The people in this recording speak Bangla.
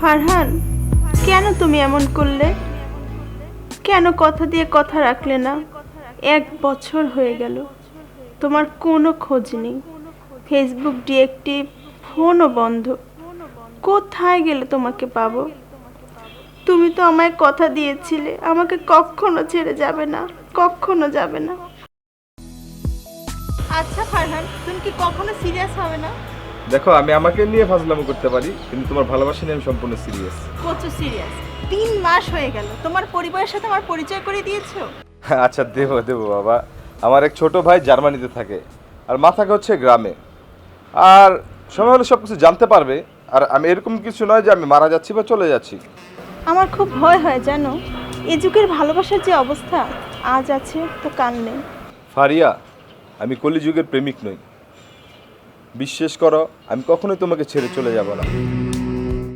ফারহান, কেন তুমি এমন করলে? কেন কথা দিয়ে কথা রাখলে না? 1 বছর হয়ে গেল, তোমার কোনো খোঁজ নেই। ফেসবুক ডিএক্টিভ, ফোনও বন্ধ। কোথায় গেলে তোমাকে পাবো? তুমি তো আমায় কথা দিয়েছিলে আমাকে কখনো ছেড়ে যাবে না, কখনো যাবে না। আচ্ছা ফারহান, তুমি কি কখনো সিরিয়াস হবে না? দেখো, আমি আমাকে নিয়ে ফাজলামো করতে পারি, কিন্তু তোমার ভালোবাসা নিয়ে আমি সম্পূর্ণ সিরিয়াস। কত সিরিয়াস? 3 মাস হয়ে গেল, তোমার পরিবারের সাথে আমার পরিচয় করে দিয়েছো। আচ্ছা, দেবো দেবো বাবা। আমার এক ছোট ভাই জার্মানিতে থাকে, আর মা থাকে হচ্ছে গ্রামে। আর সময় হলে সব কিছু জানতে পারবে। আর আমি এরকম কিছু নয় যে আমি মারা যাচ্ছি বা চলে যাচ্ছি। আমার খুব ভয় হয় জানো, এ যুগের ভালোবাসার যে অবস্থা, আজ আছে তো কাল নেই। ফারিয়া, আমি কলিযুগের প্রেমিক নই। বিশ্বাস করো, আমি কখনোই তোমাকে ছেড়ে চলে যাব না।